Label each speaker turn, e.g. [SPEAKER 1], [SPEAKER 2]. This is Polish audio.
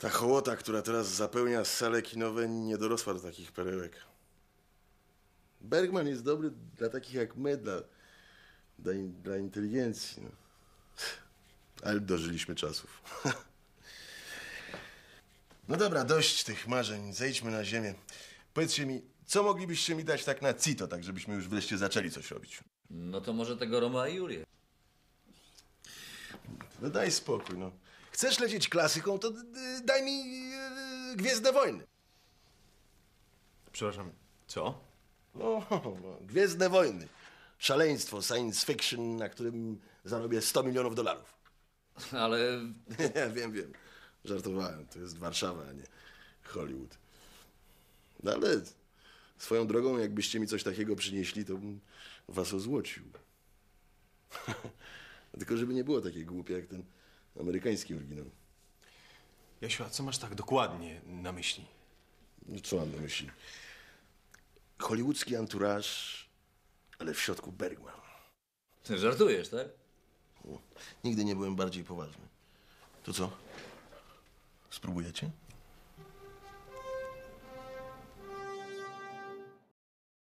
[SPEAKER 1] Ta hołota, która teraz zapełnia sale kinowe, nie dorosła do takich perełek. Bergman jest dobry dla takich jak my, dla inteligencji. No. Ale dożyliśmy czasów. No dobra, dość tych marzeń. Zejdźmy na ziemię. Powiedzcie mi, co moglibyście mi dać tak na cito, tak żebyśmy już wreszcie zaczęli coś robić?
[SPEAKER 2] No to może tego Roma i Julię.
[SPEAKER 1] No daj spokój, no. Chcesz lecieć klasyką, to daj mi Gwiezdne Wojny.
[SPEAKER 3] Przepraszam, co?
[SPEAKER 1] No, Gwiezdne Wojny. Szaleństwo, science fiction, na którym zarobię $100 milionów.
[SPEAKER 2] Ale
[SPEAKER 1] Wiem. Żartowałem. To jest Warszawa, a nie Hollywood. No ale swoją drogą, jakbyście mi coś takiego przynieśli, to bym was ozłocił. Tylko żeby nie było takie głupie jak ten amerykański oryginał.
[SPEAKER 3] Jasiu, a co masz tak dokładnie na myśli?
[SPEAKER 1] No co mam na myśli? Hollywoodzki anturaż, ale w środku Bergman.
[SPEAKER 2] ty żartujesz, tak?
[SPEAKER 1] Nigdy nie byłem bardziej poważny. To co? Spróbujecie?